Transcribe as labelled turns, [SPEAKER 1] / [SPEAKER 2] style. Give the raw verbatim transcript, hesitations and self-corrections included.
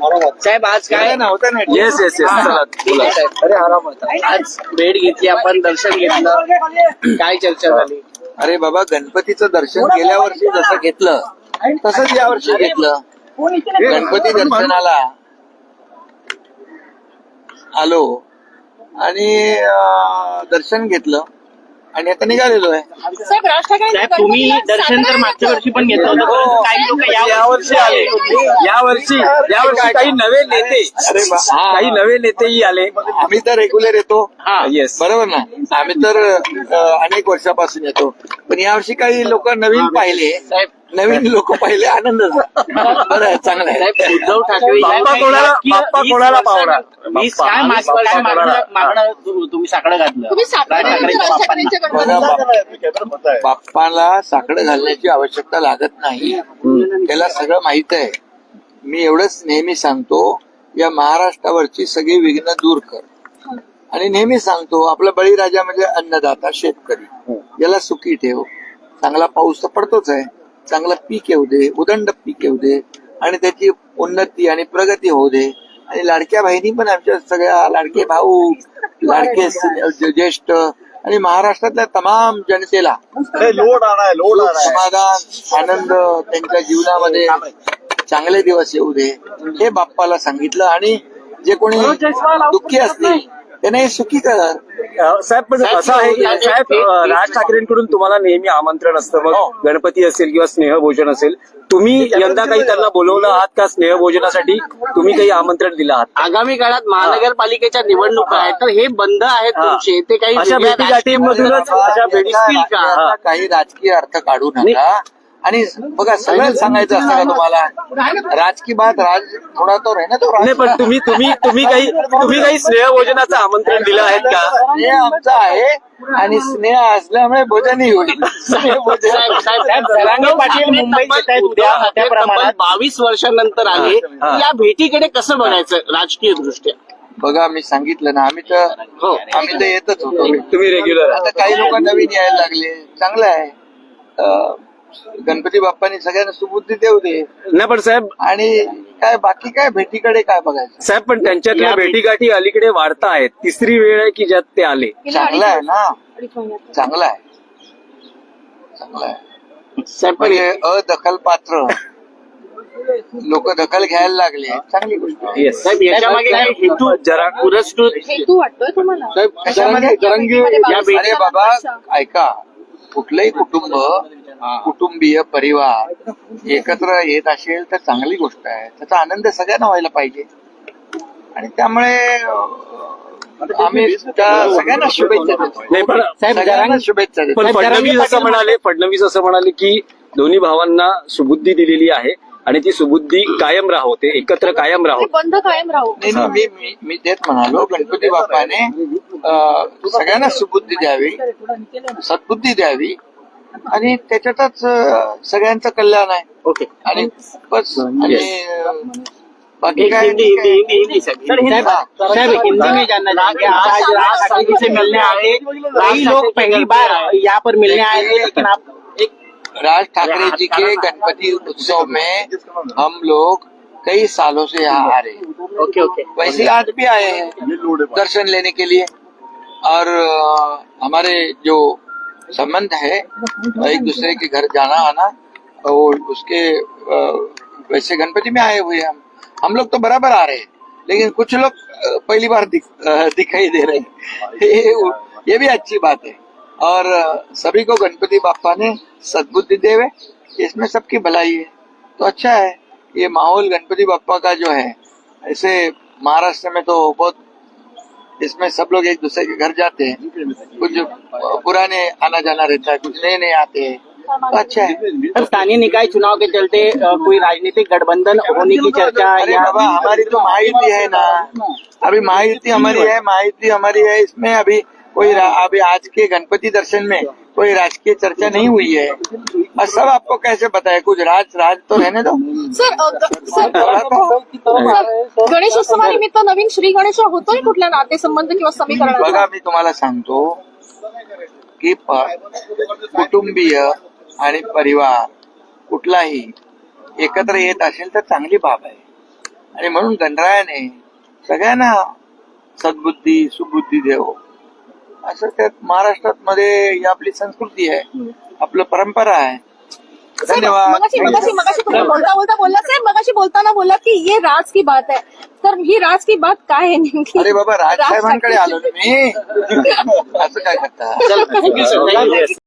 [SPEAKER 1] साहेब आज काय
[SPEAKER 2] नव्हतं ना.
[SPEAKER 3] येस येस येस
[SPEAKER 1] ठीक आहे साहेब.
[SPEAKER 2] अरे आराम होता.
[SPEAKER 1] आज भेट घेतली आपण, दर्शन घेतलं, काय चर्चा झाली?
[SPEAKER 2] अरे बाबा, गणपतीचं दर्शन गेल्या वर्षी जसं घेतलं तसंच या वर्षी घेतलं. गणपती दर्शनाला आलो आणि अं, दर्शन घेतलं आणि आता निघालेलो आहे.
[SPEAKER 4] साहेब राज ठाकरे
[SPEAKER 1] साहेब तुम्ही दर्शन तर मागच्या वर्षी पण घेतलं होतं, परंतु काही लोक
[SPEAKER 3] या वर्षी आले. या वर्षी या वर्षी काही नवे नेते
[SPEAKER 2] अरे बा- हा.
[SPEAKER 3] काही नवे नेतेही आले.
[SPEAKER 2] आम्ही तर रेग्युलर येतो.
[SPEAKER 3] हा येस
[SPEAKER 2] बरोबर ना. आम्ही तर अं, अनेक वर्षापासून येतो. पण यावर्षी काही लोक नवीन पाहिले,
[SPEAKER 1] साहेब
[SPEAKER 2] नवीन लोक पाहिले, आनंद झाला. बरं आहे, चांगलं आहे.
[SPEAKER 1] साहेब उद्धव ठाकरे
[SPEAKER 3] बाप्पा कोणाला बाप्पा कोणाला पावला
[SPEAKER 1] वीस
[SPEAKER 3] बाप्पा.
[SPEAKER 1] काय माग- काय मागणं मागणं तु- तुम्ही साकडं घातलं
[SPEAKER 4] तुम्ही साखर
[SPEAKER 1] राज ठाकरेंच्या बाप्पांना.
[SPEAKER 2] बघा, बाप- बाप्पाला साकडं घालण्याची आवश्यकता लागत नाही. त्याला सगळं माहित आहे. मी एवढंच नेहमी सांगतो, या महाराष्ट्रावरची सगळी विघ्न दूर कर. आणि नेहमी सांगतो, आपला बळीराजा म्हणजे अन्नदाता शेतकरी, याला सुखी ठेव. चांगला पाऊस तर पडतोच आहे, चांगलं पीक येऊ दे, उदंड पीक येऊ दे आणि त्याची उन्नती आणि प्रगती होऊ दे. आणि लाडक्या बहिणी पण आमच्या सगळ्या, लाडके भाऊ, लाडके स- ज्येष्ठ आणि महाराष्ट्रातल्या तमाम जनतेला
[SPEAKER 5] लोड आणाय लोड
[SPEAKER 2] सुख,
[SPEAKER 5] आणाय
[SPEAKER 2] समाधान, आनंद त्यांच्या जीवनामध्ये चांगले दिवस येऊ दे, हे बाप्पाला सांगितलं. आणि जे कोणी दुःखी असतील त्यांना हे सुखी कर.
[SPEAKER 3] अ, साहेब पण असं आहे की साहेब अ, राज ठाकरेंकडून तुम्हाला नेहमी आमंत्रण असतं. मग गणपती असेल किंवा स्नेहभोजन असेल, तुम्ही यंदा काही त्यांना बोलवलं आहात का स्नेहभोजनासाठी? तुम्ही काही आमंत्रण दिलं आहात?
[SPEAKER 1] आगामी काळात महानगरपालिकेच्या निवडणुका आहेत, तर हे बंद आहेत
[SPEAKER 3] हा.
[SPEAKER 1] तुमचे, ते काही
[SPEAKER 3] अशा
[SPEAKER 1] वेगळ्या
[SPEAKER 3] भेटीगाठींमधूनच
[SPEAKER 1] राजकीय
[SPEAKER 3] अशा भेटी
[SPEAKER 1] दिसतील का?
[SPEAKER 2] आता काही राजकीय अर्थ काढू नका. आणि बघा, सगळं सांगायचं असतं का तुम्हाला? राजकीय बात राज थोडा तो आहे ना, तो
[SPEAKER 3] नाही,
[SPEAKER 2] राज
[SPEAKER 3] पण तुम्ही तुम्ही तुम्ही काही तुम्ही काही स्नेहभोजनाचं आमंत्रण दिलं आहेत का?
[SPEAKER 2] स्नेह आमचा आहे आणि स्नेह असल्यामुळे भोजनही होईल. स्नेहभोजन.
[SPEAKER 1] साहेब, साहेब, साहेब, जरांगे पाटील मुंबईत येत आहेत उद्या मोठ्या प्रमाणात, बावीस वर्षांनंतर आले.
[SPEAKER 3] हा.
[SPEAKER 1] या भेटीकडे कसं बघायचं राजकीय दृष्ट्या?
[SPEAKER 2] बघा, मी सांगितलं ना, आम्ही तर
[SPEAKER 1] हो.
[SPEAKER 2] आम्ही तर येतच होतो.
[SPEAKER 3] तुम्ही रेग्युलर
[SPEAKER 2] आता काही लोक नवीन यायला लागले, चांगलं आहे. अं, गणपती बाप्पानी सगळ्यांना सुबुद्धी देऊ दे.
[SPEAKER 3] नाही पण साहेब
[SPEAKER 2] आणि काय बाकी काय भेटीकडे काय बघायचं?
[SPEAKER 3] साहेब पण त्यांच्यातल्या
[SPEAKER 1] या भेटी-
[SPEAKER 3] भेटीगाठी अलीकडे वाढता आहेत. तिसरी वेळ आहे की ज्यात ते आले.
[SPEAKER 2] चांगलं आहे ना,
[SPEAKER 4] अडीच महिन्यात.
[SPEAKER 2] चांगलं आहे, चांगलं आहे.
[SPEAKER 1] साहेब पण
[SPEAKER 2] म्हणजे अदखल पात्र लोक दखल घ्यायला लागले, चांगली गोष्ट आहे.
[SPEAKER 3] येस
[SPEAKER 1] साहेब याच्यामागे काही हेतू
[SPEAKER 3] जरा
[SPEAKER 1] पुरस्कृत
[SPEAKER 4] हेतू वाटतोय तुम्हाला?
[SPEAKER 2] कशामध्ये?
[SPEAKER 4] जरांगे-
[SPEAKER 2] या भेटी- अरे बाबा, ऐका, कुठलंही कुटुंब, कुटुंबीय परिवार एकत्र येत असेल तर चांगली गोष्ट आहे. त्याचा आनंद सगळ्यांना व्हायला पाहिजे. आणि त्यामुळे अं, आम्ही त्या सगळ्यांना शुभेच्छा देतो.
[SPEAKER 3] नाही पण
[SPEAKER 2] सगळ्यांना शुभेच्छा देतो.
[SPEAKER 3] पण फडणवीस असं म्हणाले फडणवीस असं म्हणाले की दोन्ही भावांना सुबुद्धी दिलेली आहे आणि ती सुबुद्धी कायम राहोते, एकत्र कायम
[SPEAKER 4] ते
[SPEAKER 3] राहोते.
[SPEAKER 4] बंद कायम राहू.
[SPEAKER 2] नाही नाही, मी मी मी तेच म्हणालो, गणपती बाप्पाने अं, सगळ्यांना सुबुद्धी द्यावी, सद्बुद्धी द्यावी आणि त्याच्यातच अं, सगळ्यांचं कल्याण आहे.
[SPEAKER 1] ओके.
[SPEAKER 2] आणि बस. आणि अं, बाकी
[SPEAKER 1] एक
[SPEAKER 2] काय
[SPEAKER 1] हिंदी हिंदी हिंदी हिंदी साहब साहब साहब हिंदी में जानना चाहेंगे। आज राज ठाकरे से मिलने आए, कई लोग पहली बार यहाँ पर मिलने आए थे, लेकिन आप एक
[SPEAKER 2] राज ठाकरे जी के गणपति उत्सव में हम लोग कई सालों से यहाँ आ रहे हैं।
[SPEAKER 1] ओके ओके
[SPEAKER 2] वैसे आज भी आए हैं दर्शन लेने के लिए। और अ, हमारे जो संबंध है एक दूसरे के घर जाना आना, और उसके अ, वैसे गणपति में आए हुए हैं हम हम लोग तो बराबर आ रहे हैं, लेकिन कुछ लोग अ, पहली बार दिख, अ, दिखाई दे रहे हैं। ये, ये भी अच्छी बात है। और अ, सभी को गणपति बाप्पा ने सद्बुद्धि देवे, इसमें सबकी भलाई है, तो अच्छा है ये माहौल गणपति बाप्पा का जो है। ऐसे महाराष्ट्र में तो बहुत, इसमें सब लोग एक दूसरे के घर जाते हैं, कुछ पुराने आना जाना रहता है, कुछ नए नए आते हैं, तो अच्छा है।
[SPEAKER 1] सर, स्थानीय निकाय चुनाव के चलते अ, कोई राजनीतिक गठबंधन होने की चर्चा
[SPEAKER 2] अरे
[SPEAKER 1] या
[SPEAKER 2] बाबा, हमारी तो महायुति है ना, अभी महायुति हमारी है, महायुति हमारी है, इसमें अभी कोई रा- अभी आज के गणपति दर्शन में कोई राजकीय चर्चा नहीं हुई है। और सब आपको कैसे बताए, कुछ राज राज तो रहने दो।
[SPEAKER 4] सर अ, ग- सर
[SPEAKER 2] थोड़ा तो-
[SPEAKER 4] सर, गणेशोत्सवानिमित्त नवीन श्री गणेश होतोय कुठल्या नातेसंबंध किंवा समीकरण?
[SPEAKER 2] बघा, मी तुम्हाला सांगतो की प- कुटुंबीय आणि परिवार कुठलाही एकत्र येत असेल तर चांगली बाब आहे। आणि म्हणून गणरायाने सगळ्यांना सद्बुद्धी सुबुद्धी देव असं त्यात महाराष्ट्रात मध्ये ही आपली संस्कृती आहे, आपलं परंपरा आहे.
[SPEAKER 4] साहेब,
[SPEAKER 2] धन्यवाद.
[SPEAKER 4] मगाशी मगाशी मगाशी तुम्ही बोलता बोलता बोलला साहेब मगाशी बोलताना बोलला की ये राज की बात है. तर ही राज की बात काय आहे नेमकी?
[SPEAKER 2] अरे बाबा राजसाहेबांकडे आलो ना मी. असं काय करता.
[SPEAKER 1] चल, थँक्यू सर.